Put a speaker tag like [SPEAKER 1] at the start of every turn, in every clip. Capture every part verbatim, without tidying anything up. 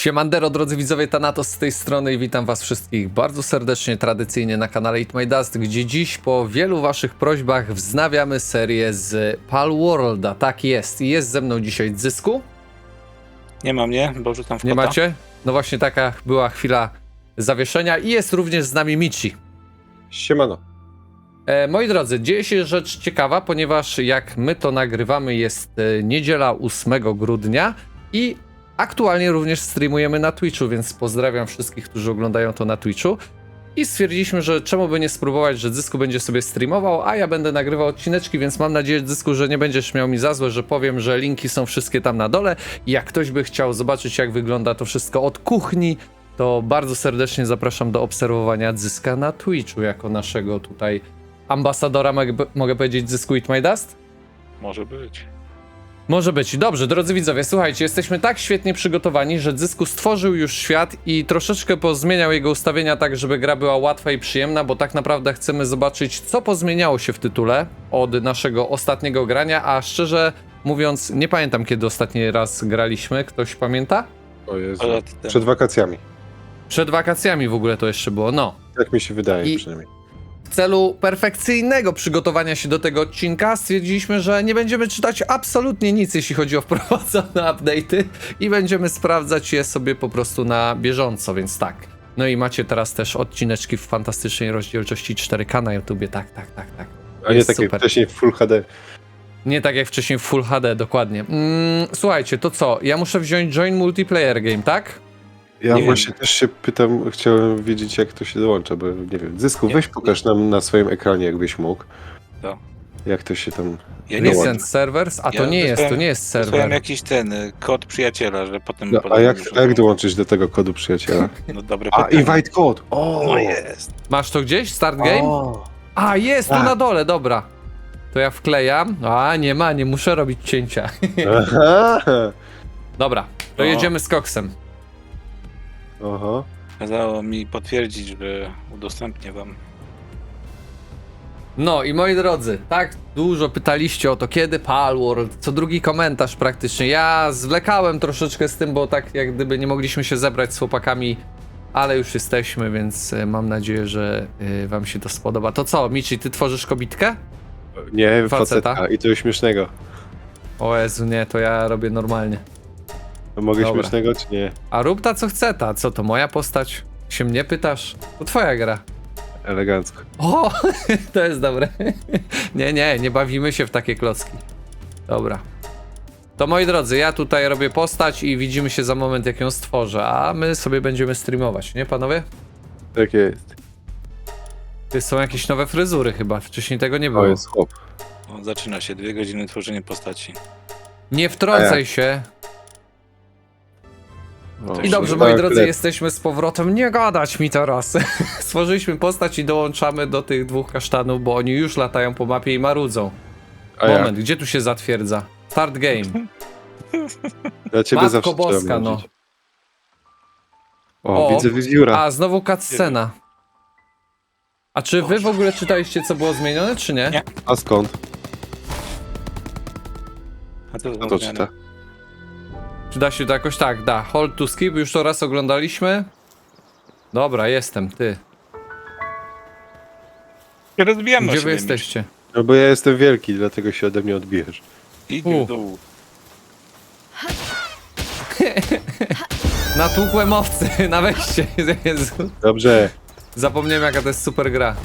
[SPEAKER 1] Siemandero, drodzy widzowie, Thanatos z tej strony i witam was wszystkich bardzo serdecznie, tradycyjnie na kanale Eat My Dust, gdzie dziś po wielu waszych prośbach wznawiamy serię z Palworlda. Tak jest, i jest ze mną dzisiaj Zysku.
[SPEAKER 2] Nie ma mnie, bo rzucam w
[SPEAKER 1] Nie
[SPEAKER 2] kota.
[SPEAKER 1] macie? No właśnie taka była chwila zawieszenia i jest również z nami Michi.
[SPEAKER 3] Siemano.
[SPEAKER 1] E, moi drodzy, dzieje się rzecz ciekawa, ponieważ jak my to nagrywamy jest e, niedziela ósmego grudnia i aktualnie również streamujemy na Twitchu, więc pozdrawiam wszystkich, którzy oglądają to na Twitchu. I stwierdziliśmy, że czemu by nie spróbować, że Zysku będzie sobie streamował, a ja będę nagrywał odcineczki, więc mam nadzieję, Zysku, że nie będziesz miał mi za złe, że powiem, że linki są wszystkie tam na dole. I jak ktoś by chciał zobaczyć, jak wygląda to wszystko od kuchni, to bardzo serdecznie zapraszam do obserwowania Zyska na Twitchu, jako naszego tutaj ambasadora, mogę, mogę powiedzieć, Zysku Eat My Dust?
[SPEAKER 2] Może być.
[SPEAKER 1] Może być. Dobrze, drodzy widzowie, słuchajcie, jesteśmy tak świetnie przygotowani, że Zysku stworzył już świat i troszeczkę pozmieniał jego ustawienia tak, żeby gra była łatwa i przyjemna, bo tak naprawdę chcemy zobaczyć, co pozmieniało się w tytule od naszego ostatniego grania, a szczerze mówiąc, nie pamiętam, kiedy ostatni raz graliśmy. Ktoś pamięta?
[SPEAKER 3] O Jezu.
[SPEAKER 2] Ale ty-
[SPEAKER 3] Przed wakacjami.
[SPEAKER 1] Przed wakacjami w ogóle to jeszcze było, no.
[SPEAKER 3] Tak mi się wydaje
[SPEAKER 1] I-
[SPEAKER 3] przynajmniej.
[SPEAKER 1] W celu perfekcyjnego przygotowania się do tego odcinka stwierdziliśmy, że nie będziemy czytać absolutnie nic, jeśli chodzi o wprowadzone update'y i będziemy sprawdzać je sobie po prostu na bieżąco, więc tak. No i macie teraz też odcineczki w fantastycznej rozdzielczości cztery K na YouTubie, tak, tak, tak, tak.
[SPEAKER 3] A nie
[SPEAKER 1] jest
[SPEAKER 3] tak jak
[SPEAKER 1] super.
[SPEAKER 3] wcześniej w Full H D.
[SPEAKER 1] Nie tak jak wcześniej w Full H D, dokładnie. Mm, słuchajcie, to co? Ja muszę wziąć Join Multiplayer Game, tak?
[SPEAKER 3] Ja
[SPEAKER 2] Nie
[SPEAKER 3] właśnie
[SPEAKER 2] wiem.
[SPEAKER 3] też się pytam, chciałem wiedzieć jak to się dołącza, bo nie wiem. Zysku,
[SPEAKER 2] Nie.
[SPEAKER 3] weź pokaż nam na swoim ekranie, jakbyś mógł.
[SPEAKER 2] To.
[SPEAKER 3] Jak to się tam...
[SPEAKER 2] Ja
[SPEAKER 1] Nie
[SPEAKER 2] nie
[SPEAKER 3] dołącza.
[SPEAKER 2] wiem.
[SPEAKER 1] Send Servers? A to
[SPEAKER 2] Ja
[SPEAKER 1] nie jest, to
[SPEAKER 2] wysłałem-
[SPEAKER 1] nie jest
[SPEAKER 2] Wysłałem
[SPEAKER 1] serwer.
[SPEAKER 2] jakiś ten y, kod przyjaciela, że potem...
[SPEAKER 3] No,
[SPEAKER 2] potem
[SPEAKER 3] a jak,
[SPEAKER 2] już-
[SPEAKER 3] a jak dołączyć do tego kodu przyjaciela?
[SPEAKER 2] No dobre
[SPEAKER 3] A,
[SPEAKER 2] pytanie.
[SPEAKER 3] invite code! O!
[SPEAKER 2] No jest.
[SPEAKER 1] Masz to gdzieś? Start game?
[SPEAKER 3] O!
[SPEAKER 1] A, jest tu
[SPEAKER 3] Tak.
[SPEAKER 1] na dole, dobra. To ja wklejam. A, nie ma, nie muszę robić cięcia.
[SPEAKER 3] Aha!
[SPEAKER 1] Dobra, to
[SPEAKER 2] O.
[SPEAKER 1] jedziemy z koksem.
[SPEAKER 3] Oho.
[SPEAKER 2] Kazało mi potwierdzić, że udostępnię wam.
[SPEAKER 1] No i moi drodzy, tak dużo pytaliście o to, kiedy Palworld, co drugi komentarz praktycznie. Ja zwlekałem troszeczkę z tym, bo tak jak gdyby nie mogliśmy się zebrać z chłopakami, ale już jesteśmy, więc e, mam nadzieję, że e, wam się to spodoba. To co, Michi, ty tworzysz kobitkę?
[SPEAKER 3] Nie,
[SPEAKER 1] Faceta.
[SPEAKER 3] faceta. I to śmiesznego.
[SPEAKER 1] O Jezu, nie, to ja robię normalnie.
[SPEAKER 3] Mogę
[SPEAKER 1] Dobra.
[SPEAKER 3] śmiesznego, czy nie?
[SPEAKER 1] A rób ta co chce ta, co to moja postać? Się mnie pytasz? To twoja gra.
[SPEAKER 3] Elegancko.
[SPEAKER 1] O, to jest dobre. Nie, nie, nie bawimy się w takie klocki. Dobra. To moi drodzy, ja tutaj robię postać i widzimy się za moment, jak ją stworzę, a my sobie będziemy streamować, nie panowie?
[SPEAKER 3] Tak jest.
[SPEAKER 1] To są jakieś nowe fryzury chyba, wcześniej tego nie
[SPEAKER 3] O,
[SPEAKER 1] było.
[SPEAKER 3] jest chłop.
[SPEAKER 2] O, zaczyna się, dwie godziny tworzenie postaci.
[SPEAKER 1] Nie wtrącaj
[SPEAKER 3] A
[SPEAKER 1] się.
[SPEAKER 3] O,
[SPEAKER 1] I dobrze,
[SPEAKER 3] tak,
[SPEAKER 1] moi drodzy,
[SPEAKER 3] lepiej.
[SPEAKER 1] jesteśmy z powrotem. Nie gadać mi teraz. Stworzyliśmy postać i dołączamy do tych dwóch kasztanów, bo oni już latają po mapie i marudzą.
[SPEAKER 3] A ja?
[SPEAKER 1] Moment, gdzie tu się zatwierdza? Start game.
[SPEAKER 3] Ja ciebie
[SPEAKER 1] Matko
[SPEAKER 3] zawsze
[SPEAKER 1] Boska,
[SPEAKER 3] trzeba
[SPEAKER 1] no.
[SPEAKER 3] męczyć. O,
[SPEAKER 1] O,
[SPEAKER 3] widzę wiewióra.
[SPEAKER 1] A, znowu cutscena. A czy wy w ogóle czytaliście, co było zmienione, czy nie?
[SPEAKER 2] Nie.
[SPEAKER 3] A skąd?
[SPEAKER 2] A to,
[SPEAKER 3] Kto to czyta?
[SPEAKER 1] Czy da się to jakoś tak? Da. Hold to skip, już to raz oglądaliśmy. Dobra, jestem, ty.
[SPEAKER 2] Rozbijamy
[SPEAKER 1] Gdzie
[SPEAKER 2] się
[SPEAKER 1] wy jesteście?
[SPEAKER 3] No bo ja jestem wielki, dlatego się ode mnie odbijesz.
[SPEAKER 2] Idź
[SPEAKER 1] U.
[SPEAKER 2] w dół.
[SPEAKER 1] Natłukłem owcy na wejście. Jezu.
[SPEAKER 3] Dobrze.
[SPEAKER 1] Zapomniałem, jaka to jest super gra.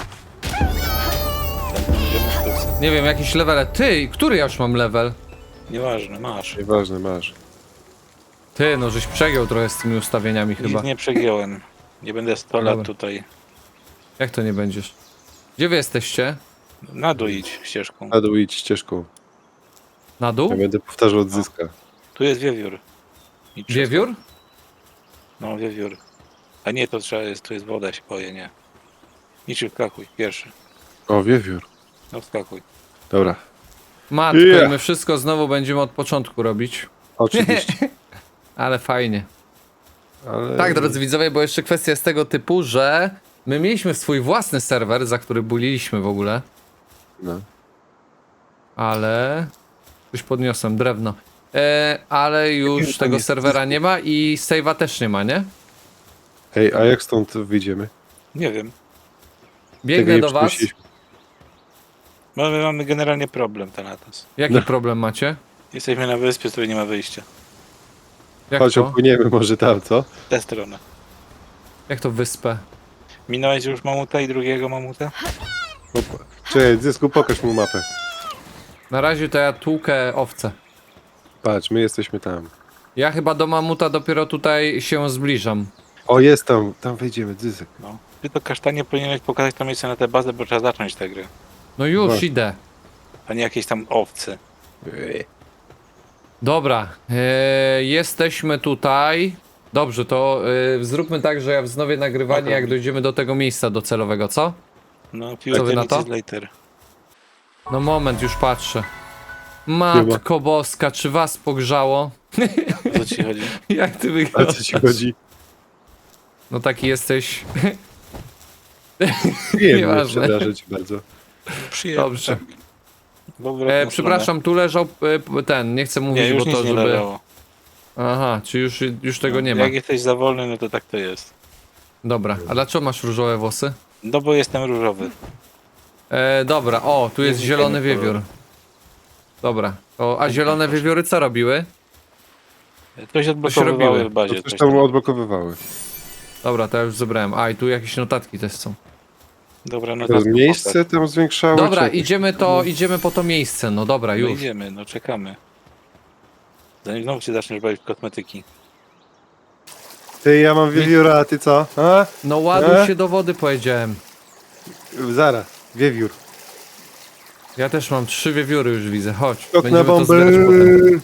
[SPEAKER 2] Idziemy w dół.
[SPEAKER 1] Nie wiem, jakieś levele. Ty, który ja już mam level?
[SPEAKER 2] Nieważne, masz.
[SPEAKER 3] Nieważne, masz.
[SPEAKER 1] Ty, no żeś przegiął trochę z tymi ustawieniami chyba.
[SPEAKER 2] Nic nie przegiąłem. Nie będę sto lat
[SPEAKER 1] Dobra.
[SPEAKER 2] tutaj.
[SPEAKER 1] Jak to nie będziesz? Gdzie wy jesteście?
[SPEAKER 2] Na dół idź ścieżką.
[SPEAKER 3] Na dół idź ścieżką.
[SPEAKER 1] Na dół?
[SPEAKER 3] Ja będę powtarzał od zyska.
[SPEAKER 2] Tu jest wiewiór. Idź przez
[SPEAKER 1] Wiewiór?
[SPEAKER 2] to. No, wiewiór. A nie, to trzeba jest, tu jest woda, się boję, nie. Idź i wskakuj, pierwszy.
[SPEAKER 3] O, wiewiór.
[SPEAKER 2] No wskakuj.
[SPEAKER 3] Dobra.
[SPEAKER 1] Matko,
[SPEAKER 3] Yeah.
[SPEAKER 1] i my wszystko znowu będziemy od początku robić.
[SPEAKER 3] Oczywiście.
[SPEAKER 1] Ale fajnie.
[SPEAKER 3] Ale...
[SPEAKER 1] Tak, drodzy widzowie, bo jeszcze kwestia jest tego typu, że my mieliśmy swój własny serwer, za który buliliśmy w ogóle,
[SPEAKER 3] No.
[SPEAKER 1] ale... Coś podniosłem, drewno. e, ale już
[SPEAKER 3] tam
[SPEAKER 1] tego
[SPEAKER 3] jest
[SPEAKER 1] serwera
[SPEAKER 3] dysku?
[SPEAKER 1] nie ma i save'a też nie ma, nie?
[SPEAKER 3] Ej, a jak stąd wyjdziemy?
[SPEAKER 2] Nie wiem.
[SPEAKER 1] Biegnę
[SPEAKER 3] nie
[SPEAKER 1] do was.
[SPEAKER 3] przypuściliśmy.
[SPEAKER 2] Mamy, mamy generalnie problem, Thanatos.
[SPEAKER 1] Jaki
[SPEAKER 3] No.
[SPEAKER 1] problem macie?
[SPEAKER 2] Jesteśmy na wyspie, z której nie ma wyjścia.
[SPEAKER 1] Jak
[SPEAKER 3] Chodź,
[SPEAKER 1] to?
[SPEAKER 3] opłyniemy może tam, co?
[SPEAKER 2] W tę stronę.
[SPEAKER 1] Jak to wyspę?
[SPEAKER 2] Minąłeś już mamuta i drugiego mamuta?
[SPEAKER 3] Opa. Czekaj, Zysku, pokaż mu mapę.
[SPEAKER 1] Na razie to ja tłukę owce.
[SPEAKER 3] Patrz, my jesteśmy tam.
[SPEAKER 1] Ja chyba do mamuta dopiero tutaj się zbliżam.
[SPEAKER 3] O, jest tam, tam wejdziemy, Zysek.
[SPEAKER 2] No. Ty to kasztanie powinieneś pokazać to miejsce na tę bazę, bo trzeba zacząć tę grę.
[SPEAKER 1] No już
[SPEAKER 3] Właśnie.
[SPEAKER 1] idę.
[SPEAKER 2] A nie jakieś tam owce.
[SPEAKER 1] Dobra, e, jesteśmy tutaj. Dobrze, to e, zróbmy tak, że ja wznowię nagrywanie,
[SPEAKER 2] Okej.
[SPEAKER 1] jak dojdziemy do tego miejsca docelowego, co?
[SPEAKER 2] No,
[SPEAKER 1] Co wy na to?
[SPEAKER 2] few later.
[SPEAKER 1] No moment, już patrzę. Matko boska, czy was pogrzało?
[SPEAKER 2] O co ci chodzi?
[SPEAKER 1] Jak ty
[SPEAKER 3] A
[SPEAKER 1] wyglądasz?
[SPEAKER 3] co ci chodzi?
[SPEAKER 1] No taki jesteś.
[SPEAKER 3] Nie wiem, nie
[SPEAKER 1] Nieważne.
[SPEAKER 3] przepraszam cię bardzo.
[SPEAKER 2] Przyjemnie.
[SPEAKER 1] Dobrze.
[SPEAKER 2] Bo w drugą
[SPEAKER 1] E, przepraszam, tu leżał e, ten, nie chcę
[SPEAKER 2] stronę.
[SPEAKER 1] mówić,
[SPEAKER 2] Nie, już
[SPEAKER 1] bo
[SPEAKER 2] nic
[SPEAKER 1] to
[SPEAKER 2] nie
[SPEAKER 1] żeby...
[SPEAKER 2] leżało.
[SPEAKER 1] Aha, czy już, już tego
[SPEAKER 2] No,
[SPEAKER 1] nie ma.
[SPEAKER 2] Jak jesteś za wolny, no to tak to jest.
[SPEAKER 1] Dobra, a dlaczego masz różowe włosy?
[SPEAKER 2] No bo jestem różowy.
[SPEAKER 1] E, dobra, o, tu jest
[SPEAKER 2] Nie
[SPEAKER 1] zielony
[SPEAKER 2] znikajmy
[SPEAKER 1] wiewiór. Dobra, o, a zielone wiewióry co robiły?
[SPEAKER 2] Coś odblokowywały
[SPEAKER 1] robiły.
[SPEAKER 2] w
[SPEAKER 3] To
[SPEAKER 2] bazie.
[SPEAKER 3] coś
[SPEAKER 2] Coś
[SPEAKER 3] tam
[SPEAKER 2] tam.
[SPEAKER 3] odblokowywały.
[SPEAKER 1] Dobra, to ja już zebrałem. A, i tu jakieś notatki też są.
[SPEAKER 2] Dobra, no
[SPEAKER 3] To
[SPEAKER 2] to
[SPEAKER 3] miejsce tam zwiększało?
[SPEAKER 1] Dobra,
[SPEAKER 3] czy jakoś-
[SPEAKER 1] idziemy to, idziemy po to miejsce, no dobra,
[SPEAKER 2] No
[SPEAKER 1] już.
[SPEAKER 2] idziemy, no czekamy. Zanim znowu się zaczniesz bawić w kosmetyki.
[SPEAKER 3] Ty, ja mam wiewióra, a ty co? A?
[SPEAKER 1] No ładuj
[SPEAKER 3] E?
[SPEAKER 1] się do wody, powiedziałem.
[SPEAKER 3] Zaraz, wiewiór.
[SPEAKER 1] Ja też mam trzy wiewióry już widzę, chodź.
[SPEAKER 3] Skok na
[SPEAKER 1] Będziemy to
[SPEAKER 3] bombę.
[SPEAKER 1] zbierać potem.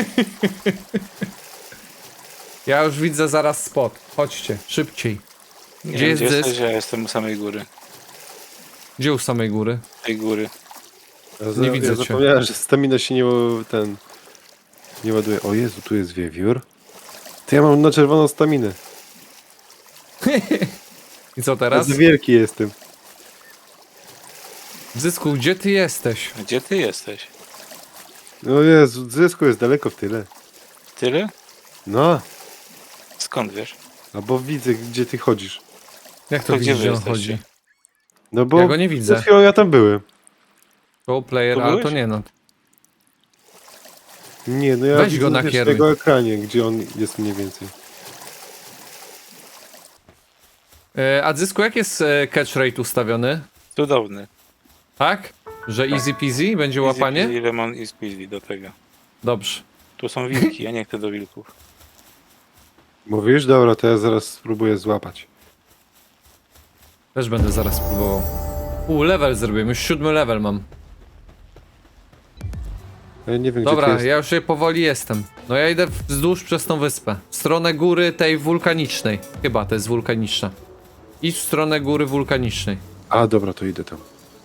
[SPEAKER 1] Ja już widzę zaraz spot. Chodźcie, szybciej.
[SPEAKER 2] Nie
[SPEAKER 1] Gdzie
[SPEAKER 2] wiem,
[SPEAKER 1] jest
[SPEAKER 2] gdzie
[SPEAKER 1] zysk?
[SPEAKER 2] jesteś, ja jestem u samej góry.
[SPEAKER 1] Gdzie u samej góry?
[SPEAKER 2] Tej góry.
[SPEAKER 3] Ja za-
[SPEAKER 1] Nie widzę
[SPEAKER 3] ja
[SPEAKER 1] cię.
[SPEAKER 3] zapomniałem, że stamina się nie ł- ten... Nie ładuje. O Jezu, tu jest wiewiór. Ty, ja mam na czerwoną staminę.
[SPEAKER 1] I co
[SPEAKER 3] Ja
[SPEAKER 1] teraz?
[SPEAKER 3] za wielki jestem.
[SPEAKER 1] Zysku, gdzie ty jesteś?
[SPEAKER 2] Gdzie ty jesteś?
[SPEAKER 3] No Jezu, Zysku jest daleko w tyle.
[SPEAKER 2] Tyle?
[SPEAKER 3] No,
[SPEAKER 2] Skąd wiesz?
[SPEAKER 3] a bo widzę, gdzie ty chodzisz.
[SPEAKER 1] Jak to
[SPEAKER 2] To gdzie
[SPEAKER 1] widzisz,
[SPEAKER 2] wy
[SPEAKER 1] gdzie on
[SPEAKER 2] jesteście?
[SPEAKER 1] chodzi?
[SPEAKER 3] No bo
[SPEAKER 1] Ja go nie
[SPEAKER 3] przed
[SPEAKER 1] widzę.
[SPEAKER 3] chwilą ja tam byłem.
[SPEAKER 1] Go player,
[SPEAKER 2] Tu
[SPEAKER 1] ale to
[SPEAKER 2] byłeś?
[SPEAKER 1] nie no.
[SPEAKER 3] Nie, no ja
[SPEAKER 1] Weź
[SPEAKER 3] widzę
[SPEAKER 1] go
[SPEAKER 3] wiesz,
[SPEAKER 1] nakieruj.
[SPEAKER 3] tego ekranie, gdzie on jest mniej więcej.
[SPEAKER 1] E, a Zysku, jak jest e, catch rate ustawiony?
[SPEAKER 2] Cudowny.
[SPEAKER 1] Tak? Że easy peasy będzie łapanie?
[SPEAKER 2] Easy peasy, lemon i squeezy do tego.
[SPEAKER 1] Dobrze.
[SPEAKER 2] Tu są wilki, ja nie chcę do wilków.
[SPEAKER 3] Mówisz? Dobra, to ja zaraz spróbuję złapać.
[SPEAKER 1] Też będę zaraz próbował. U, level zrobiłem, już siódmy level mam.
[SPEAKER 3] Ja nie wiem,
[SPEAKER 1] Dobra,
[SPEAKER 3] gdzie ty
[SPEAKER 1] ja już je powoli jestem. No ja idę wzdłuż przez tą wyspę. W stronę góry tej wulkanicznej. Chyba to jest wulkaniczna. Idź w stronę góry wulkanicznej.
[SPEAKER 3] A, dobra, to idę tam.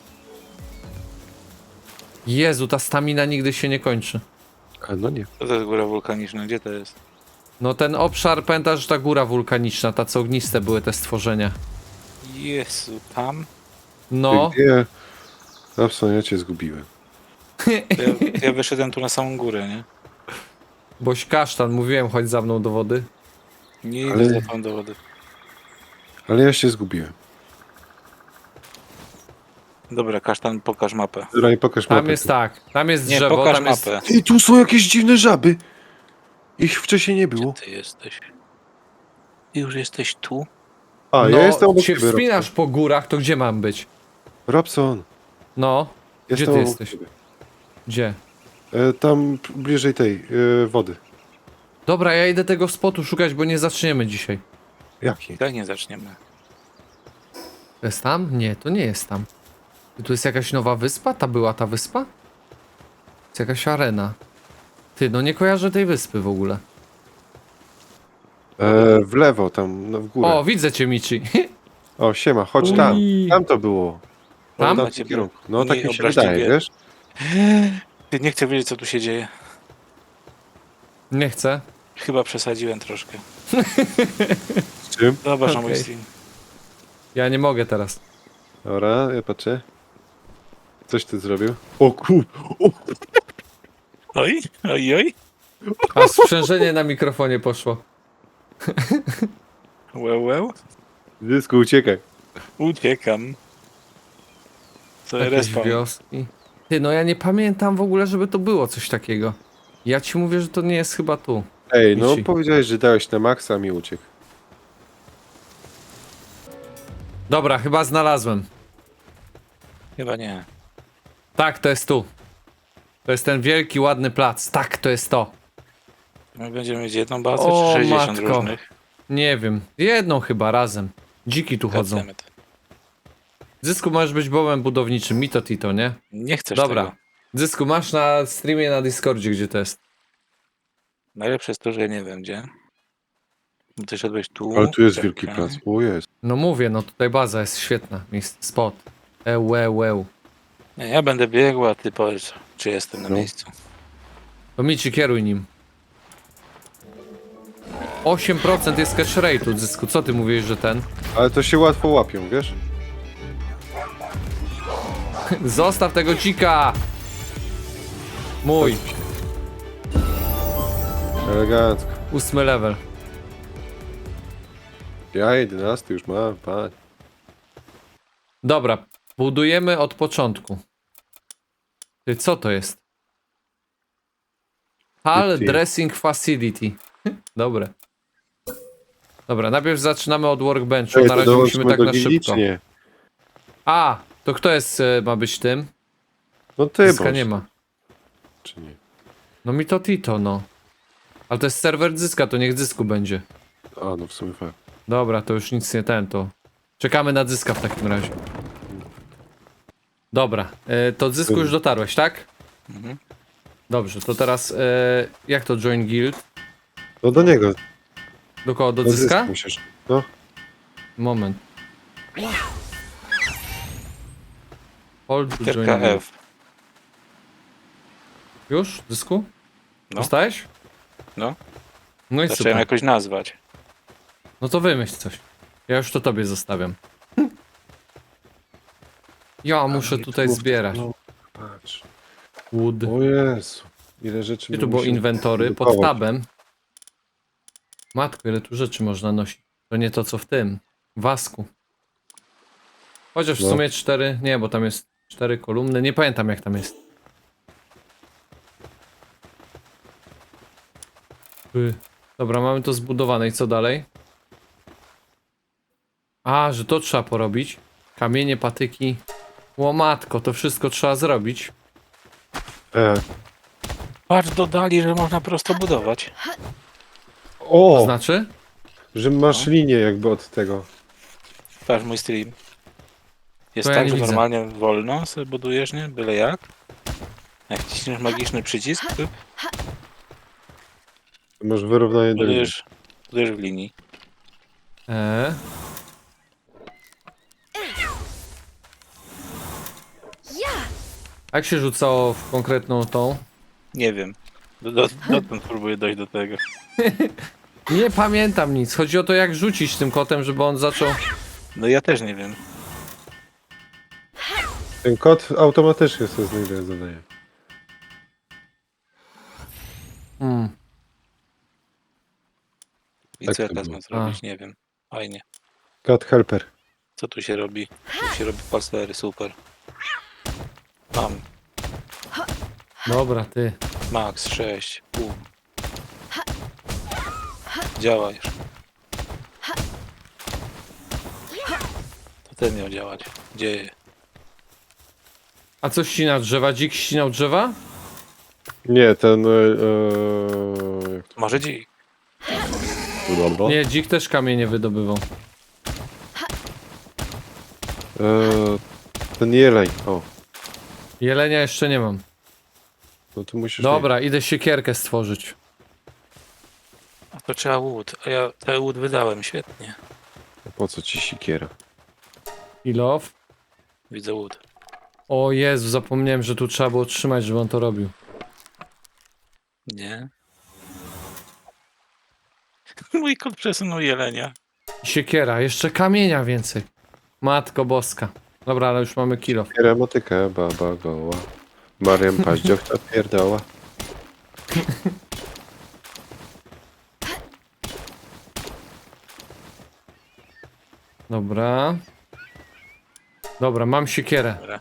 [SPEAKER 1] Jezu, ta stamina nigdy się nie kończy.
[SPEAKER 3] A, no nie.
[SPEAKER 2] Co to jest góra wulkaniczna? Gdzie to jest?
[SPEAKER 1] No ten obszar, pamiętasz, ta góra wulkaniczna, ta co ogniste były te stworzenia.
[SPEAKER 2] Jezu, tam?
[SPEAKER 1] No,
[SPEAKER 3] Ty Gdzie? Robson, ja cię zgubiłem.
[SPEAKER 2] To ja, to ja wyszedłem tu na samą górę, nie?
[SPEAKER 1] boś kasztan, mówiłem, chodź za mną do wody.
[SPEAKER 2] Nie idę
[SPEAKER 3] Ale-
[SPEAKER 2] za tą do wody.
[SPEAKER 3] Ale ja się zgubiłem.
[SPEAKER 2] Dobra, kasztan, pokaż mapę.
[SPEAKER 3] Dobra, i pokaż
[SPEAKER 1] Tam
[SPEAKER 3] mapę.
[SPEAKER 1] jest tak, tam jest
[SPEAKER 2] Nie,
[SPEAKER 1] drzewo,
[SPEAKER 2] pokaż
[SPEAKER 1] tam jest...
[SPEAKER 2] mapę.
[SPEAKER 3] Ej, tu są jakieś dziwne żaby. Ich wcześniej nie było.
[SPEAKER 2] Gdzie ty jesteś? Ty już jesteś tu?
[SPEAKER 3] A,
[SPEAKER 1] No,
[SPEAKER 3] ja jestem obok
[SPEAKER 1] się
[SPEAKER 3] ciebie,
[SPEAKER 1] wspinasz po górach, to gdzie mam być?
[SPEAKER 3] Robson.
[SPEAKER 1] No,
[SPEAKER 3] Jestem
[SPEAKER 1] ty
[SPEAKER 3] obok
[SPEAKER 1] jesteś?
[SPEAKER 3] ciebie.
[SPEAKER 1] gdzie?
[SPEAKER 3] E, tam p- bliżej tej e, wody.
[SPEAKER 1] Dobra, ja idę tego spotu szukać, bo nie zaczniemy dzisiaj.
[SPEAKER 3] Jaki?
[SPEAKER 2] I tak nie zaczniemy.
[SPEAKER 1] To jest tam? Nie, to nie jest tam. I tu jest jakaś nowa wyspa? Ta była ta wyspa? Jest jakaś arena. Ty, no nie kojarzę tej wyspy w ogóle.
[SPEAKER 3] E, w lewo, tam no, w górę.
[SPEAKER 1] O,
[SPEAKER 3] O,
[SPEAKER 1] widzę cię, Michi.
[SPEAKER 3] o siema, chodź tam.
[SPEAKER 1] Ui.
[SPEAKER 3] Tam to było.
[SPEAKER 1] Tam?
[SPEAKER 3] W tamtym kierunku. No
[SPEAKER 2] Nie
[SPEAKER 3] tak mi się
[SPEAKER 2] obraźliwie.
[SPEAKER 3] wydaje, wiesz?
[SPEAKER 2] Ty nie chcę wiedzieć, co tu się dzieje.
[SPEAKER 1] Nie chcę.
[SPEAKER 2] Chyba przesadziłem troszkę.
[SPEAKER 3] Z czym?
[SPEAKER 2] Zobacz na mój
[SPEAKER 1] Okej.
[SPEAKER 2] stream.
[SPEAKER 1] Ja nie mogę teraz.
[SPEAKER 3] Dobra, ja patrzę. Coś ty zrobił? O kur... O,
[SPEAKER 2] Oj, oj, oj.
[SPEAKER 1] A sprzężenie na mikrofonie poszło.
[SPEAKER 2] Łeł, łeł.
[SPEAKER 3] Dysku, uciekaj.
[SPEAKER 2] Uciekam. Co
[SPEAKER 1] Jakieś
[SPEAKER 2] respawn.
[SPEAKER 1] wioski. Ty, no ja nie pamiętam w ogóle, żeby to było coś takiego. Ja ci mówię, że to nie jest chyba tu.
[SPEAKER 3] Ej, no
[SPEAKER 1] Mici.
[SPEAKER 3] powiedziałeś, że dałeś na maksa, a mi uciekł.
[SPEAKER 1] Dobra, chyba znalazłem.
[SPEAKER 2] Chyba nie.
[SPEAKER 1] Tak, to jest tu. To jest ten wielki, ładny plac. Tak, to jest to.
[SPEAKER 2] My będziemy mieć jedną bazę,
[SPEAKER 1] O,
[SPEAKER 2] czy sześćdziesiąt
[SPEAKER 1] matko.
[SPEAKER 2] różnych?
[SPEAKER 1] Nie wiem. Jedną chyba razem. Dziki tu chodzą.
[SPEAKER 2] Goddammit.
[SPEAKER 1] Zysku, możesz być bołem budowniczym. Mito Tito, nie?
[SPEAKER 2] Nie chcesz
[SPEAKER 1] Dobra.
[SPEAKER 2] tego.
[SPEAKER 1] Zysku, masz na streamie na Discordzie, gdzie to jest.
[SPEAKER 2] Najlepsze jest to, że ja nie wiem gdzie. Bo ty szedłeś tu.
[SPEAKER 3] Ale tu jest
[SPEAKER 2] czekaj.
[SPEAKER 3] wielki plac. O, jest.
[SPEAKER 1] No mówię, no tutaj baza jest świetna. Miejsce, spot. Eł, eł, eł.
[SPEAKER 2] Nie, ja będę biegł, a ty powiedz, czy jestem na
[SPEAKER 3] No.
[SPEAKER 2] miejscu.
[SPEAKER 1] To Mici, kieruj nim. osiem procent jest cash rate'u, Zysku. Co ty mówisz, że ten?
[SPEAKER 3] Ale to się łatwo łapią, wiesz?
[SPEAKER 1] Zostaw tego dzika! Mój.
[SPEAKER 3] Elegancko.
[SPEAKER 1] Ósmy level.
[SPEAKER 3] Ja jedenasty już mam, pan.
[SPEAKER 1] Dobra, budujemy od początku. Ty, co to jest? Hall
[SPEAKER 3] Ty.
[SPEAKER 1] Dressing Facility. Dobre. Dobra, najpierw zaczynamy od workbenchu.
[SPEAKER 3] Ej,
[SPEAKER 1] Na
[SPEAKER 3] to
[SPEAKER 1] razie musimy
[SPEAKER 3] dołączmy
[SPEAKER 1] tak
[SPEAKER 3] do
[SPEAKER 1] na
[SPEAKER 3] gildii,
[SPEAKER 1] szybko.
[SPEAKER 3] czy nie?
[SPEAKER 1] A, to kto jest, e, ma być tym?
[SPEAKER 3] No ty
[SPEAKER 1] Zyska
[SPEAKER 3] bądź.
[SPEAKER 1] nie ma.
[SPEAKER 3] Czy nie?
[SPEAKER 1] No mi to Tito, no. Ale to jest serwer Zyska, to niech Zysku będzie.
[SPEAKER 3] A, no w sumie fakt.
[SPEAKER 1] Dobra, to już nic nie ten, to... Czekamy na Zyska w takim razie. Dobra, e, to Zysku już dotarłeś, tak?
[SPEAKER 2] Mhm.
[SPEAKER 1] Dobrze, to teraz e, jak to join guild?
[SPEAKER 3] No do niego.
[SPEAKER 1] Do kogo? Do
[SPEAKER 3] Do
[SPEAKER 1] Zyska?
[SPEAKER 3] zysku musisz. No.
[SPEAKER 1] Moment. Hold to join
[SPEAKER 2] Literka
[SPEAKER 1] guild.
[SPEAKER 2] F.
[SPEAKER 1] Już? Zysku?
[SPEAKER 2] No.
[SPEAKER 1] Dostałeś?
[SPEAKER 2] No.
[SPEAKER 1] No i
[SPEAKER 2] Zacząłem
[SPEAKER 1] super.
[SPEAKER 2] jakoś nazwać.
[SPEAKER 1] No to wymyśl coś. Ja już to tobie zostawiam. Ja muszę tutaj
[SPEAKER 3] Mów-
[SPEAKER 1] zbierać.
[SPEAKER 3] No, patrz.
[SPEAKER 1] Wood.
[SPEAKER 3] O Jezu. Ile rzeczy.
[SPEAKER 1] Gdzie
[SPEAKER 3] my
[SPEAKER 1] tu było
[SPEAKER 3] musimy
[SPEAKER 1] inwentory? Pod
[SPEAKER 3] produkować.
[SPEAKER 1] tabem. Matko, ile tu rzeczy można nosić. To nie to co w tym. Wasku. Chociaż w
[SPEAKER 3] No.
[SPEAKER 1] sumie cztery. Nie, bo tam jest cztery kolumny. Nie pamiętam jak tam jest. Ty. Dobra, mamy to zbudowane i co dalej? A, że to trzeba porobić. Kamienie, patyki. Łomatko, to wszystko trzeba zrobić.
[SPEAKER 3] E.
[SPEAKER 2] Patrz, dodali, że można prosto budować.
[SPEAKER 3] O!
[SPEAKER 1] To znaczy?
[SPEAKER 3] Że masz
[SPEAKER 1] No.
[SPEAKER 3] linię jakby od tego.
[SPEAKER 2] Patrz mój stream. Jest
[SPEAKER 1] To ja
[SPEAKER 2] tak,
[SPEAKER 1] nie
[SPEAKER 2] że
[SPEAKER 1] widzę.
[SPEAKER 2] normalnie wolno sobie budujesz, nie? Byle jak. Jak ciśniesz magiczny przycisk, to
[SPEAKER 3] Masz wyrównanie do linii.
[SPEAKER 2] budujesz, budujesz w linii.
[SPEAKER 1] Eee. Jak się rzucało w konkretną tą?
[SPEAKER 2] Nie wiem. Do- do- Dotąd próbuję dojść do tego.
[SPEAKER 1] Nie pamiętam nic. Chodzi o to, jak rzucić tym kotem, żeby on zaczął.
[SPEAKER 2] No ja też nie wiem.
[SPEAKER 3] Ten kod automatycznie sobie znajduje zadanie.
[SPEAKER 1] Hmm.
[SPEAKER 2] I
[SPEAKER 3] Tak
[SPEAKER 2] co ja
[SPEAKER 3] to
[SPEAKER 2] teraz
[SPEAKER 3] było.
[SPEAKER 2] mam zrobić? Nie wiem. Fajnie.
[SPEAKER 3] Cat helper.
[SPEAKER 2] Co tu się robi? Tu się robi pastery, super. Mam.
[SPEAKER 1] Dobra, ty.
[SPEAKER 2] Max sześć. Pół. Działa już. To ten miał działać. Dzieje.
[SPEAKER 1] A co ścina drzewa? Dzik ścinał drzewa?
[SPEAKER 3] Nie, ten. E, e, jak to
[SPEAKER 2] Może dzik.
[SPEAKER 3] wygląda?
[SPEAKER 1] Nie, dzik też kamienie wydobywał.
[SPEAKER 3] E, ten jeleń. O,
[SPEAKER 1] Jelenia jeszcze nie mam.
[SPEAKER 3] no to musisz.
[SPEAKER 1] Dobra, idę siekierkę stworzyć.
[SPEAKER 2] A to trzeba łód. A ja ten łód wydałem. Świetnie.
[SPEAKER 3] Nie. Po co ci sikiera?
[SPEAKER 1] Ilow.
[SPEAKER 2] Widzę łód.
[SPEAKER 1] O Jezu, zapomniałem, że tu trzeba było trzymać, żeby on to robił.
[SPEAKER 2] Nie. Mój kot przesunął jelenia.
[SPEAKER 1] Siekiera, jeszcze kamienia więcej. Matko boska. Dobra, ale już mamy kilo.
[SPEAKER 3] Sikiera, motykę, baba goła. Mariam paździoch ta pierdoła.
[SPEAKER 1] Dobra. Dobra, mam siekierę.
[SPEAKER 2] Dobra.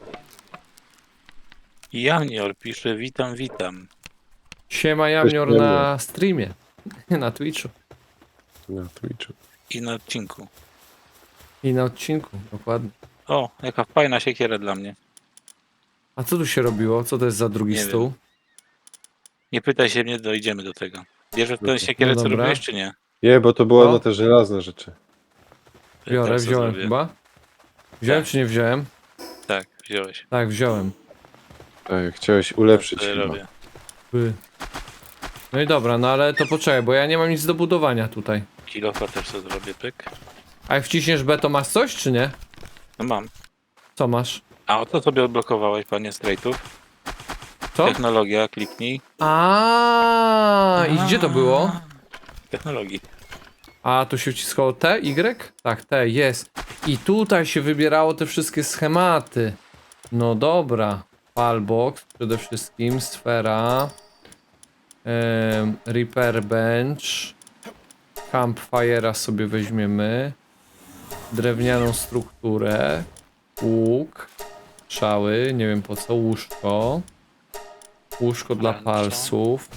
[SPEAKER 2] Janior pisze, witam, witam.
[SPEAKER 1] Siema Jamnior
[SPEAKER 3] Cześć,
[SPEAKER 1] na streamie. Na Twitchu.
[SPEAKER 3] Na Twitchu.
[SPEAKER 2] I na odcinku.
[SPEAKER 1] I na odcinku, dokładnie.
[SPEAKER 2] O, jaka fajna siekiera dla mnie.
[SPEAKER 1] A co tu się robiło? Co to jest za drugi
[SPEAKER 2] Nie
[SPEAKER 1] stół?
[SPEAKER 2] wiem. Nie pytaj się mnie, dojdziemy do tego. Bierzesz
[SPEAKER 3] Dobra.
[SPEAKER 2] tę siekierę,
[SPEAKER 1] No
[SPEAKER 2] co
[SPEAKER 1] dobra.
[SPEAKER 2] robiłeś, czy nie?
[SPEAKER 3] Nie, bo to było
[SPEAKER 1] O.
[SPEAKER 3] na te żelazne rzeczy.
[SPEAKER 2] To ja
[SPEAKER 1] Biorę,
[SPEAKER 2] teraz to
[SPEAKER 1] wziąłem
[SPEAKER 2] zrobię.
[SPEAKER 1] chyba. Wziąłem
[SPEAKER 2] Tak.
[SPEAKER 1] czy nie wziąłem?
[SPEAKER 2] Tak, wziąłeś.
[SPEAKER 1] Tak, wziąłem.
[SPEAKER 3] Tak, chciałeś ulepszyć
[SPEAKER 2] To ja
[SPEAKER 3] chyba.
[SPEAKER 2] robię.
[SPEAKER 1] By. No i dobra, no ale to poczekaj, bo ja nie mam nic do budowania tutaj.
[SPEAKER 2] Kilofa też sobie zrobię, pyk.
[SPEAKER 1] A jak wciśniesz B, to masz coś, czy nie?
[SPEAKER 2] No mam.
[SPEAKER 1] Co masz?
[SPEAKER 2] A o co sobie odblokowałeś, panie Straightów?
[SPEAKER 1] Co?
[SPEAKER 2] Technologia, kliknij.
[SPEAKER 1] A i gdzie to było?
[SPEAKER 2] Technologii.
[SPEAKER 1] A tu się wciskało T, Y? Tak, T, jest. I tutaj się wybierało te wszystkie schematy. No dobra. Palbox przede wszystkim, sfera. Em, repair bench. Campfire'a sobie weźmiemy. Drewnianą strukturę. Łuk. Strzały, nie wiem po co, łóżko. Łóżko dla
[SPEAKER 2] Lancza.
[SPEAKER 1] palców.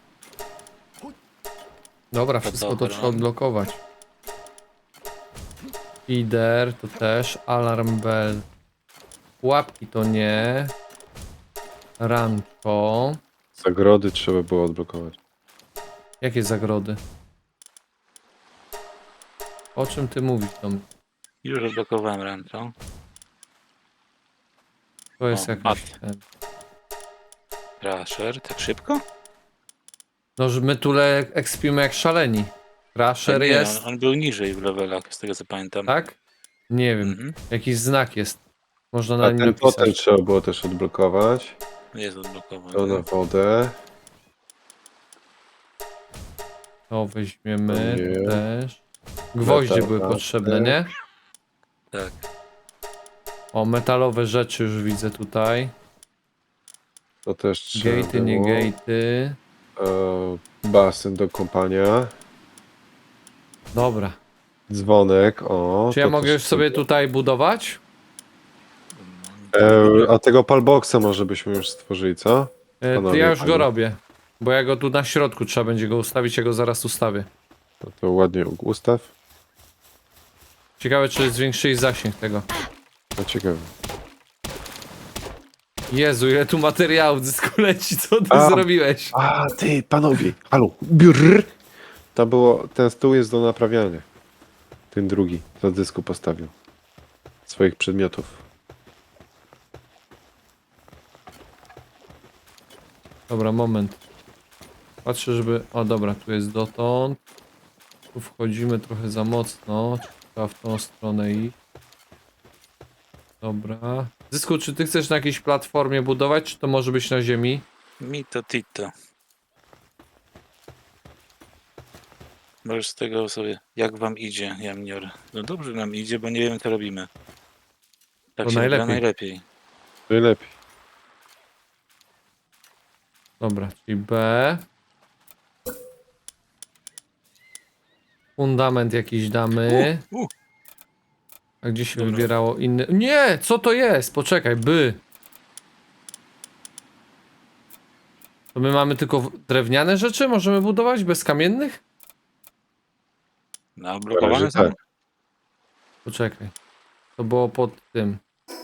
[SPEAKER 1] Dobra, wszystko to
[SPEAKER 2] dobra.
[SPEAKER 1] trzeba odblokować. Feeder to też, alarm bell. Łapki to nie. Rancho.
[SPEAKER 3] Zagrody trzeba było odblokować.
[SPEAKER 1] Jakie zagrody? O czym ty mówisz tam?
[SPEAKER 2] Już odblokowałem rancho.
[SPEAKER 1] To jest
[SPEAKER 2] O,
[SPEAKER 1] jakaś...
[SPEAKER 2] mat.
[SPEAKER 1] ten-
[SPEAKER 2] Crusher, tak szybko?
[SPEAKER 1] No, że my tu le- ekspimy jak szaleni. Crusher
[SPEAKER 2] nie,
[SPEAKER 1] jest,
[SPEAKER 2] On, on był niżej w levelach, z tego co pamiętam.
[SPEAKER 1] tak? Nie wiem,
[SPEAKER 2] Mhm.
[SPEAKER 1] jakiś znak jest. Można
[SPEAKER 3] A
[SPEAKER 1] na nim
[SPEAKER 3] ten potem
[SPEAKER 1] napisać.
[SPEAKER 3] trzeba było też odblokować.
[SPEAKER 2] Jest odblokowany.
[SPEAKER 3] To na wodę.
[SPEAKER 1] To weźmiemy
[SPEAKER 3] Nie.
[SPEAKER 1] to też. Gwoździe
[SPEAKER 3] Metal
[SPEAKER 1] były
[SPEAKER 3] lampy.
[SPEAKER 1] potrzebne, nie?
[SPEAKER 2] Tak.
[SPEAKER 1] O, metalowe rzeczy już widzę tutaj.
[SPEAKER 3] To też trzeba
[SPEAKER 1] Gatey, nie
[SPEAKER 3] było.
[SPEAKER 1] gatey.
[SPEAKER 3] E, basen do kąpania.
[SPEAKER 1] Dobra.
[SPEAKER 3] Dzwonek, o.
[SPEAKER 1] Czy ja
[SPEAKER 3] to
[SPEAKER 1] mogę
[SPEAKER 3] też
[SPEAKER 1] już sobie
[SPEAKER 3] trzeba.
[SPEAKER 1] tutaj budować?
[SPEAKER 3] E, a tego palboxa może byśmy już stworzyli, co?
[SPEAKER 1] E, to
[SPEAKER 3] Panowie,
[SPEAKER 1] ja już
[SPEAKER 3] panie.
[SPEAKER 1] go robię. Bo ja go tu na środku trzeba będzie go ustawić, ja go zaraz ustawię.
[SPEAKER 3] No to ładnie ustaw.
[SPEAKER 1] Ciekawe, czy zwiększyli zasięg tego.
[SPEAKER 3] No ciekawe.
[SPEAKER 1] Jezu, ile tu materiałów dysku leci, co ty
[SPEAKER 3] A.
[SPEAKER 1] zrobiłeś?
[SPEAKER 3] A ty, panowie, halo, brrr. To było, ten stół jest do naprawiania. Ten drugi, co dysku postawił. Swoich przedmiotów.
[SPEAKER 1] Dobra, moment. Patrzę, żeby... O, dobra, tu jest dotąd. Tu wchodzimy trochę za mocno. Trzeba w tą stronę iść. Dobra. Zysku, czy ty chcesz na jakiejś platformie budować, czy to może być na ziemi?
[SPEAKER 2] Mito Tito. Możesz z tego sobie, jak wam idzie, Jamnior? No dobrze nam idzie, bo nie wiemy co robimy. Tak
[SPEAKER 1] To
[SPEAKER 2] się najlepiej.
[SPEAKER 1] najlepiej.
[SPEAKER 2] najlepiej.
[SPEAKER 3] Najlepiej.
[SPEAKER 1] Dobra, czyli B. Fundament jakiś damy.
[SPEAKER 2] U, u.
[SPEAKER 1] A gdzie się
[SPEAKER 2] Dobra.
[SPEAKER 1] wybierało inny... Nie! Co to jest? Poczekaj, by. To my mamy tylko w- drewniane rzeczy? Możemy budować bez kamiennych?
[SPEAKER 2] No, blokowane
[SPEAKER 3] razie
[SPEAKER 2] są?
[SPEAKER 3] tak.
[SPEAKER 1] Poczekaj. To było pod tym.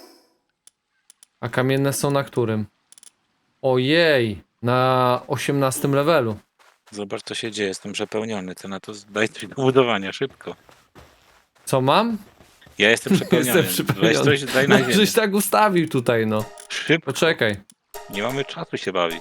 [SPEAKER 1] A kamienne są na którym? Ojej! Na osiemnastym levelu.
[SPEAKER 2] Zobacz co się dzieje, jestem przepełniony. Co na to daj coś do budowania, szybko.
[SPEAKER 1] Co mam?
[SPEAKER 2] Ja jestem przepełniony.
[SPEAKER 1] Jestem przypełniony.
[SPEAKER 2] Weź coś, daj na
[SPEAKER 1] No,
[SPEAKER 2] ziemię.
[SPEAKER 1] żeś tak ustawił tutaj, no.
[SPEAKER 2] Szybko,
[SPEAKER 1] Poczekaj.
[SPEAKER 2] nie mamy czasu się bawić.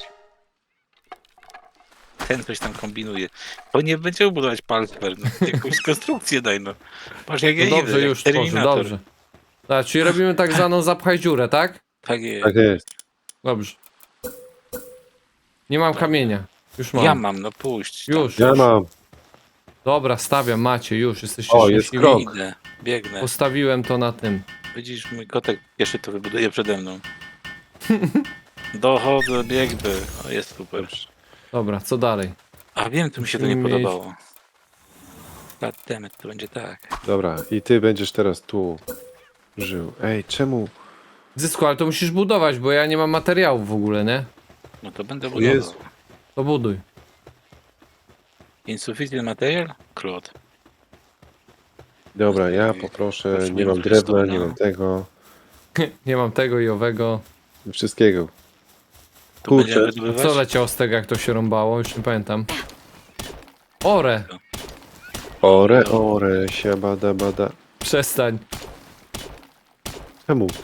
[SPEAKER 2] Ten coś tam kombinuje. Bo nie będziemy budować palcer, no. Jakąś konstrukcję daj, no. Patrz jak ja
[SPEAKER 1] No dobrze,
[SPEAKER 2] idę, jak
[SPEAKER 1] już tworzę,
[SPEAKER 2] Terminator.
[SPEAKER 1] dobrze. Tak, czyli robimy tak zwaną zapchaj dziurę, tak?
[SPEAKER 2] Tak jest.
[SPEAKER 3] Tak jest.
[SPEAKER 1] Dobrze. Nie mam kamienia. Już mam.
[SPEAKER 2] Ja mam, no puść. tam.
[SPEAKER 1] Już,
[SPEAKER 3] Ja
[SPEAKER 1] już.
[SPEAKER 3] mam.
[SPEAKER 1] Dobra, stawiam, macie, już, jesteście
[SPEAKER 3] O, jest
[SPEAKER 1] szczęśliwi.
[SPEAKER 3] krok.
[SPEAKER 2] Idę, biegnę.
[SPEAKER 1] Postawiłem to na tym.
[SPEAKER 2] Widzisz, mój kotek pierwszy to wybuduje przede mną. Dochodzę, biegnę. O, jest super.
[SPEAKER 1] Dobra, co dalej?
[SPEAKER 2] A wiem, tu mi się to nie
[SPEAKER 1] Musimy mieć-
[SPEAKER 2] podobało. Goddammit, to będzie tak.
[SPEAKER 3] Dobra, i ty będziesz teraz tu żył. Ej, czemu?
[SPEAKER 1] Zysku, ale to musisz budować, bo ja nie mam materiałów w ogóle, nie?
[SPEAKER 2] No to będę
[SPEAKER 3] O
[SPEAKER 2] budował.
[SPEAKER 3] Jezu.
[SPEAKER 1] To buduj.
[SPEAKER 2] Insufficient material? Claude.
[SPEAKER 3] Dobra, ja poproszę,
[SPEAKER 2] Proszę,
[SPEAKER 3] nie mam
[SPEAKER 2] nie
[SPEAKER 3] drewna,
[SPEAKER 2] mam
[SPEAKER 3] nie mam tego.
[SPEAKER 1] Nie mam tego i owego.
[SPEAKER 3] Wszystkiego.
[SPEAKER 2] To
[SPEAKER 3] Kurczę,
[SPEAKER 2] będziemy
[SPEAKER 1] A
[SPEAKER 2] wydobywać?
[SPEAKER 1] co leciało z tego, jak to się rąbało? Już nie pamiętam. Ore!
[SPEAKER 3] Ore, ore, siabada, bada.
[SPEAKER 1] Przestań.
[SPEAKER 3] Czemu?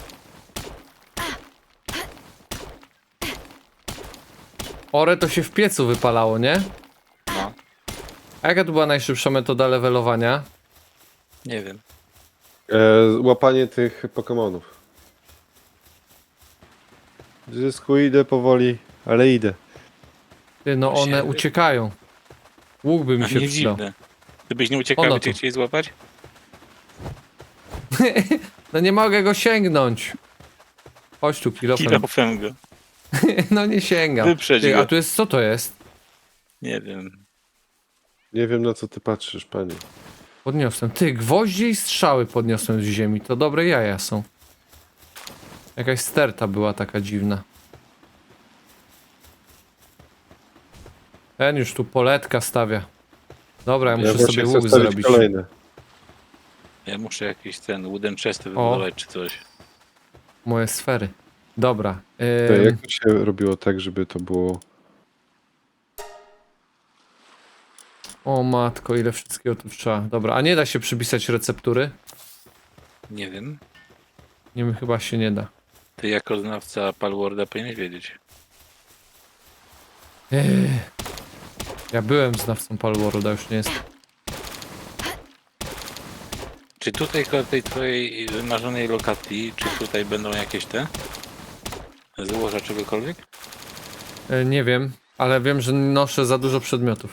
[SPEAKER 1] Ore to się w piecu wypalało, nie?
[SPEAKER 2] No,
[SPEAKER 1] A jaka tu była najszybsza metoda levelowania?
[SPEAKER 2] nie wiem.
[SPEAKER 3] E, łapanie tych Pokemonów. Zysku, idę powoli, ale idę.
[SPEAKER 1] Ty, no one
[SPEAKER 2] Siedem.
[SPEAKER 1] uciekają. Łuk by mi
[SPEAKER 2] A
[SPEAKER 1] się
[SPEAKER 2] nie
[SPEAKER 1] przydał.
[SPEAKER 2] dziwne. Gdybyś nie uciekał,
[SPEAKER 1] Ono
[SPEAKER 2] by cię
[SPEAKER 1] tu.
[SPEAKER 2] chcieli złapać?
[SPEAKER 1] No nie mogę go sięgnąć. Chodź tu, kilofem.
[SPEAKER 2] Kilofem go.
[SPEAKER 1] No nie sięgam.
[SPEAKER 2] Wyprzedź
[SPEAKER 1] Ty,
[SPEAKER 2] go.
[SPEAKER 1] a tu jest, co to jest?
[SPEAKER 2] Nie wiem.
[SPEAKER 3] Nie wiem, na co ty patrzysz, panie.
[SPEAKER 1] Podniosłem. Ty, gwoździe i strzały podniosłem z ziemi. To dobre jaja są. Jakaś sterta była taka dziwna. Ten już tu poletka stawia. Dobra, ja
[SPEAKER 3] Ja
[SPEAKER 1] muszę
[SPEAKER 3] właśnie
[SPEAKER 1] sobie
[SPEAKER 3] chcę
[SPEAKER 1] łuk
[SPEAKER 3] wstawić
[SPEAKER 1] zrobić.
[SPEAKER 3] kolejne.
[SPEAKER 2] Ja muszę jakiś ten wooden chesty wybudować czy coś.
[SPEAKER 1] Moje sfery. Dobra.
[SPEAKER 3] To
[SPEAKER 1] Ym,
[SPEAKER 3] jak to się robiło tak, żeby to było...
[SPEAKER 1] O matko, ile wszystkiego tu trzeba. Dobra, a nie da się przypisać receptury?
[SPEAKER 2] Nie wiem.
[SPEAKER 1] Nie wiem, chyba się nie da.
[SPEAKER 2] Ty jako znawca Palworda powinieneś wiedzieć.
[SPEAKER 1] Ech. Ja byłem znawcą Palworlda, już nie jest.
[SPEAKER 2] Czy tutaj koło tej twojej wymarzonej lokacji, czy tutaj będą jakieś te złoża czegokolwiek?
[SPEAKER 1] E, nie wiem, ale wiem, że noszę za dużo przedmiotów.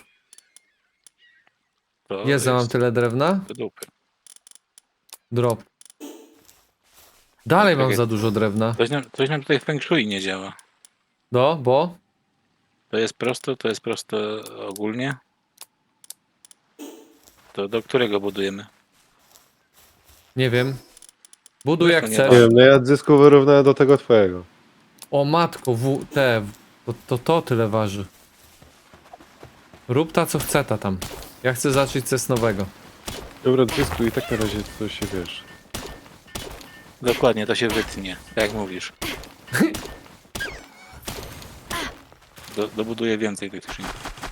[SPEAKER 2] To
[SPEAKER 1] Jest, ja mam tyle drewna?
[SPEAKER 2] do dupy.
[SPEAKER 1] Drop. Dalej mam
[SPEAKER 2] Czekaj.
[SPEAKER 1] za dużo drewna.
[SPEAKER 2] Coś nam, coś nam tutaj w Feng Shui nie działa.
[SPEAKER 1] No, bo?
[SPEAKER 2] To jest prosto, to jest prosto ogólnie. To do którego budujemy?
[SPEAKER 1] Nie wiem. Buduj jak
[SPEAKER 2] to nie
[SPEAKER 1] chcesz.
[SPEAKER 3] Nie wiem, no ja zysku wyrównałem do tego twojego.
[SPEAKER 1] O matko, w, te, to, to to tyle waży. Rób ta co chce ta tam. Ja chcę zacząć coś nowego.
[SPEAKER 3] Dobra, zysku i tak na razie to się wiesz.
[SPEAKER 2] Dokładnie, to się wytnie, tak jak mówisz. Do, dobuduję więcej tych skrzyń.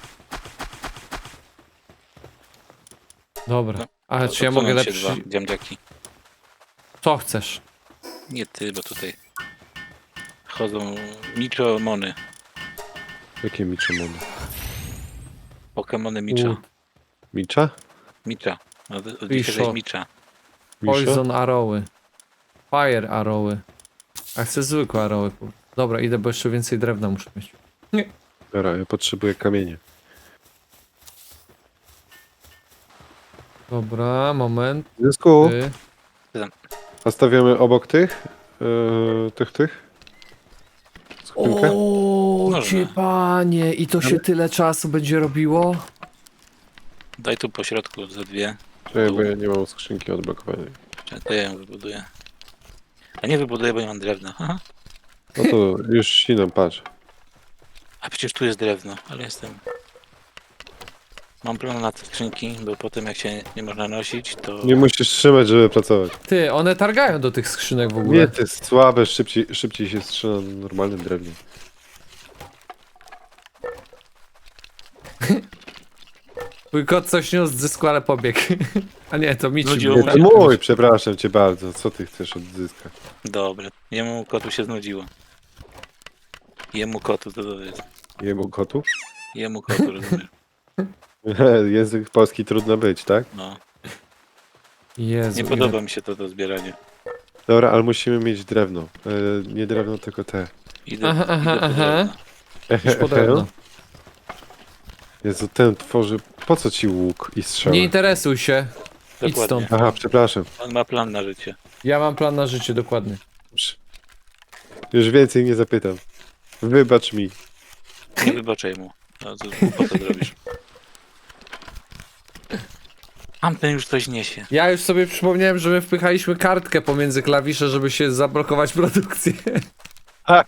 [SPEAKER 1] Dobra.
[SPEAKER 2] No,
[SPEAKER 1] Ale
[SPEAKER 2] To-
[SPEAKER 1] czy
[SPEAKER 2] to
[SPEAKER 1] ja mogę
[SPEAKER 2] psuną się
[SPEAKER 1] lepszy...
[SPEAKER 2] dwa dziamdziaki.
[SPEAKER 1] Co chcesz?
[SPEAKER 2] Nie ty, bo tutaj chodzą Michomony.
[SPEAKER 3] Jakie Michemony?
[SPEAKER 2] Pokemony Micha.
[SPEAKER 1] U,
[SPEAKER 3] Micza?
[SPEAKER 2] Micha. Od, od
[SPEAKER 1] I
[SPEAKER 2] dzisiaj
[SPEAKER 1] szok.
[SPEAKER 2] jest Micha.
[SPEAKER 3] Misza?
[SPEAKER 1] Poison arrowy. Fire arrowy. A chcę zwykłe arrowy. po- Dobra, idę, bo jeszcze więcej drewna muszę mieć.
[SPEAKER 3] Dobra, ja potrzebuję kamienie.
[SPEAKER 1] Dobra, moment.
[SPEAKER 3] Zysku,
[SPEAKER 1] Ty.
[SPEAKER 3] a stawiamy obok tych? Yy, tych, tych? Skrzynkę?
[SPEAKER 1] O,
[SPEAKER 2] Można.
[SPEAKER 1] cię panie, i to się tyle czasu będzie robiło?
[SPEAKER 2] Daj tu po środku ze dwie.
[SPEAKER 3] Czekaj, bo ja nie mam skrzynki odblokowanej.
[SPEAKER 2] To ja ją wybuduję. A nie wybuduję, bo nie mam drewna. Aha.
[SPEAKER 3] No to już ścinam, patrz.
[SPEAKER 2] A przecież tu jest drewno, ale jestem... Mam plan na te skrzynki, bo potem jak się nie można nosić, to...
[SPEAKER 3] Nie musisz trzymać, żeby pracować.
[SPEAKER 1] Ty, one targają do tych skrzynek w ogóle.
[SPEAKER 3] Nie, to jest słabe, szybciej, szybciej się strzyna na normalnym drewnie.
[SPEAKER 1] Twój kot coś niósł z zysku, ale pobiegł. A nie, to Mici.
[SPEAKER 2] Nudziło
[SPEAKER 1] był.
[SPEAKER 3] Nie,
[SPEAKER 2] mu
[SPEAKER 3] to
[SPEAKER 2] się.
[SPEAKER 3] mój, przepraszam cię bardzo. Co ty chcesz odzyskać?
[SPEAKER 2] Dobre. Jemu kotu się znudziło. Jemu kotu to, to jest.
[SPEAKER 3] Jemu kotu?
[SPEAKER 2] Jemu kotu, rozumiesz?
[SPEAKER 3] Język polski trudno być, tak?
[SPEAKER 2] No.
[SPEAKER 1] Jezu,
[SPEAKER 2] Nie
[SPEAKER 1] ile-
[SPEAKER 2] podoba mi się to, to zbieranie.
[SPEAKER 3] Dobra, ale musimy mieć drewno. E, nie drewno, tylko te.
[SPEAKER 2] Idę,
[SPEAKER 1] Aha, aha,
[SPEAKER 2] idę po
[SPEAKER 1] aha.
[SPEAKER 2] drewno.
[SPEAKER 1] Już po drewno.
[SPEAKER 3] Jezu, ten tworzy... Po co ci łuk i strzały?
[SPEAKER 1] Nie interesuj się. Idź
[SPEAKER 2] Dokładnie.
[SPEAKER 1] stąd.
[SPEAKER 3] Aha, przepraszam.
[SPEAKER 2] On ma plan na życie.
[SPEAKER 1] Ja mam plan na życie, dokładnie.
[SPEAKER 3] Już więcej nie zapytam. Wybacz mi.
[SPEAKER 2] Nie wybaczaj mu. No, to, po co zrobisz? Tamten już coś niesie.
[SPEAKER 1] Ja już sobie przypomniałem, że my wpychaliśmy kartkę pomiędzy klawisze, żeby się zablokować produkcję.
[SPEAKER 3] Tak.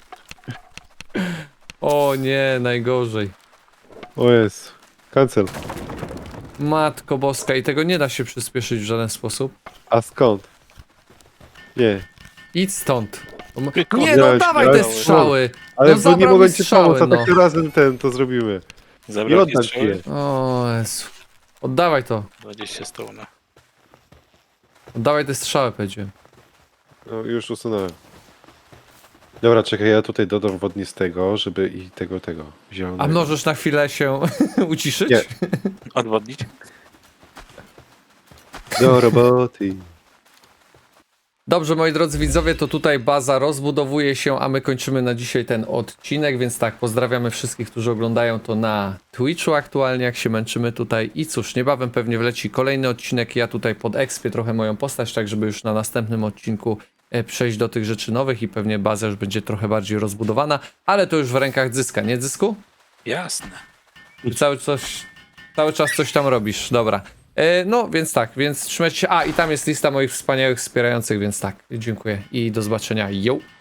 [SPEAKER 1] O nie, najgorzej.
[SPEAKER 3] O jest. Cancel.
[SPEAKER 1] Matko boska, i tego nie da się przyspieszyć w żaden sposób.
[SPEAKER 3] A skąd? Nie.
[SPEAKER 1] Idź stąd. O m-
[SPEAKER 2] Tylko
[SPEAKER 1] Nie no,
[SPEAKER 3] miałeś-
[SPEAKER 1] dawaj te
[SPEAKER 3] miałeś-
[SPEAKER 1] strzały.
[SPEAKER 3] Ale
[SPEAKER 1] No
[SPEAKER 3] bo nie
[SPEAKER 1] zabrał
[SPEAKER 3] mogłem
[SPEAKER 1] mi
[SPEAKER 3] ci
[SPEAKER 1] strzały,
[SPEAKER 3] pomóc, a
[SPEAKER 1] no.
[SPEAKER 3] tak razem ten to zrobimy. Nie
[SPEAKER 2] Zabrał
[SPEAKER 3] oddam ci
[SPEAKER 2] strzały?
[SPEAKER 3] je.
[SPEAKER 1] O Jezu. Oddawaj to.
[SPEAKER 2] dwadzieścia stona.
[SPEAKER 1] Oddawaj te strzały, powiedziałem.
[SPEAKER 3] No, już usunąłem. Dobra, czekaj, ja tutaj dodam wodnistego, żeby i tego, tego, zielonego.
[SPEAKER 1] A możesz na chwilę się uciszyć?
[SPEAKER 3] Nie.
[SPEAKER 2] Odwodnić?
[SPEAKER 3] Do roboty.
[SPEAKER 1] Dobrze, moi drodzy widzowie, to tutaj baza rozbudowuje się, a my kończymy na dzisiaj ten odcinek, więc tak, pozdrawiamy wszystkich, którzy oglądają to na Twitchu aktualnie, jak się męczymy tutaj. I cóż, niebawem pewnie wleci kolejny odcinek, ja tutaj podekspię trochę moją postać, tak żeby już na następnym odcinku e, przejść do tych rzeczy nowych i pewnie baza już będzie trochę bardziej rozbudowana, ale to już w rękach Zyska, nie Zysku?
[SPEAKER 2] Jasne.
[SPEAKER 1] I cały, coś, cały czas coś tam robisz, dobra. E, no, więc tak, więc trzymajcie się. A, i tam jest lista moich wspaniałych wspierających, więc tak, dziękuję i do zobaczenia. Yo!